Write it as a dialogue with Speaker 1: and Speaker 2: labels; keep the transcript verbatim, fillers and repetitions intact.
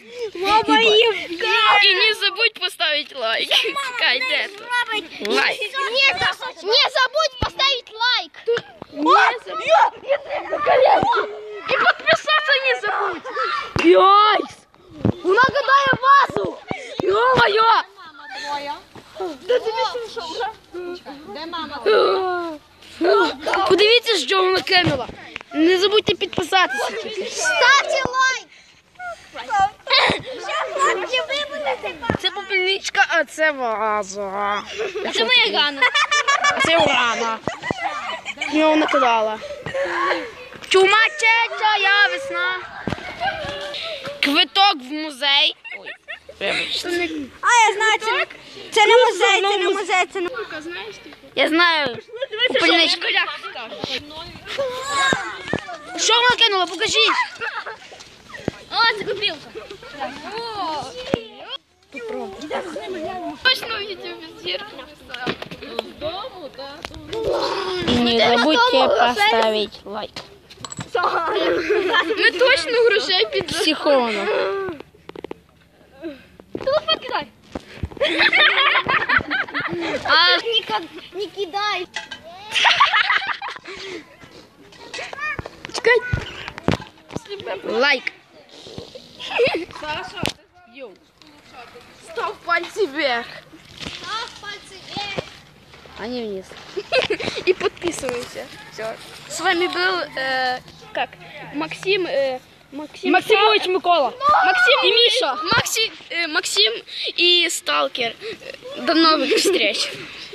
Speaker 1: Мама,
Speaker 2: и не забудь поставить лайк. Кать, это. Лайк.
Speaker 1: Не забудь поставить лайк.
Speaker 2: И подписаться не забудь.
Speaker 1: Гайс! Вона кидає вазу! Йо-моє!
Speaker 2: Де ти пішов, вже?
Speaker 3: Де мама?
Speaker 1: Подивіться, що вона кинула. Не забудьте підписатися.
Speaker 3: Ставте лайк!
Speaker 1: Це попільничка, а це ваза.
Speaker 2: А це моя Гана.
Speaker 1: А це Урана. Його накидала. Чумачеча, я весна. Квиток в музей. Ой, вибачте.
Speaker 3: А, я знаю, це, це не музей, це не музей, це не...
Speaker 1: Я знаю. Попільничка. Що вона кинула? Покажіть.
Speaker 2: О, це копілка. Точно відео без зірки. З дому, так?
Speaker 1: И не забудьте поставить лайк.
Speaker 2: Ми точно грошей під...
Speaker 1: Психона.
Speaker 2: Телефон кидай.
Speaker 1: А
Speaker 3: Не кидай!
Speaker 1: чекай. Лайк.
Speaker 2: Саша, йоу. Став пальці вверх.
Speaker 3: Став пальцы вверх!
Speaker 1: А не вниз.
Speaker 2: И подписывайся. Все. С вами был, э, как, Максим, э, Максим.
Speaker 1: Максимович Микола.
Speaker 2: Максим и Миша. Макси, э, Максим и Сталкер. До новых встреч.